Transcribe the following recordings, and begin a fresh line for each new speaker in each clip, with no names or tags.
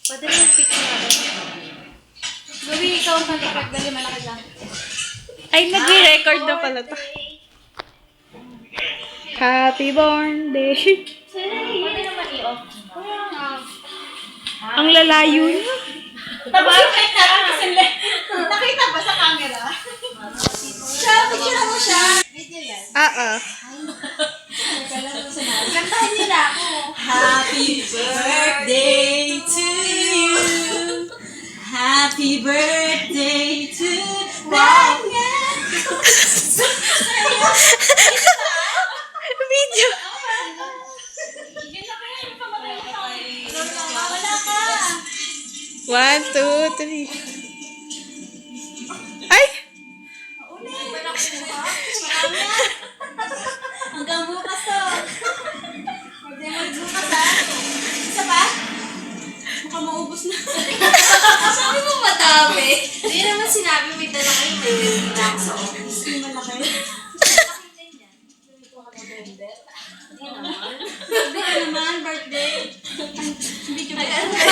Pwede mo yung picture natin. Gawin ikaw ang pag-record. Dali malaki lang.
Ay, nag-record na pala to. Happy birthday.
Pwede naman i-off.
Ang lalayo niya.
Nakita ba sa camera? Siya, picture mo siya. Video yan.
Oo.
Kantahan niyo na ako.
Happy birthday to you. Happy birthday to
Wow!
Video.
Wala ka.
1, 2, 3. Ay!
Hanggang bukas to. Pwede magbukas ha. Isa pa? Baka maubos na. Sabi mo madami. Hindi naman sinabi may dala kayo. May dala na ako sa office. Hindi malaki. Birthday naman, birthday. Hindi ko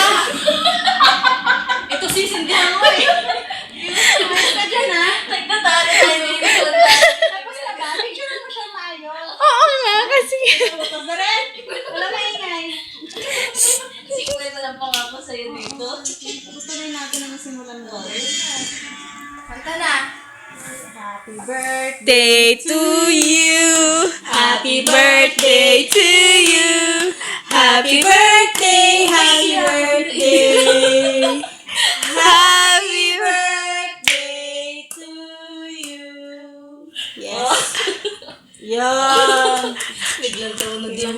ito sisindihan mo eh. Ayos ka dyan ha. Nagtatalo tayo ng tapos na ba? Picture mo siya tayo.
Oo nga, kasi...
Tapos rin. Wala maingay.
Pwede lang pangako sa'yo dito.
Gusto rin natin na nasimulan mo. Kanta na. Happy birthday.
Day to you. Happy birthday to you. Happy birthday, happy birthday. Happy birthday to you. Yes.
Yan. Biglang tawag na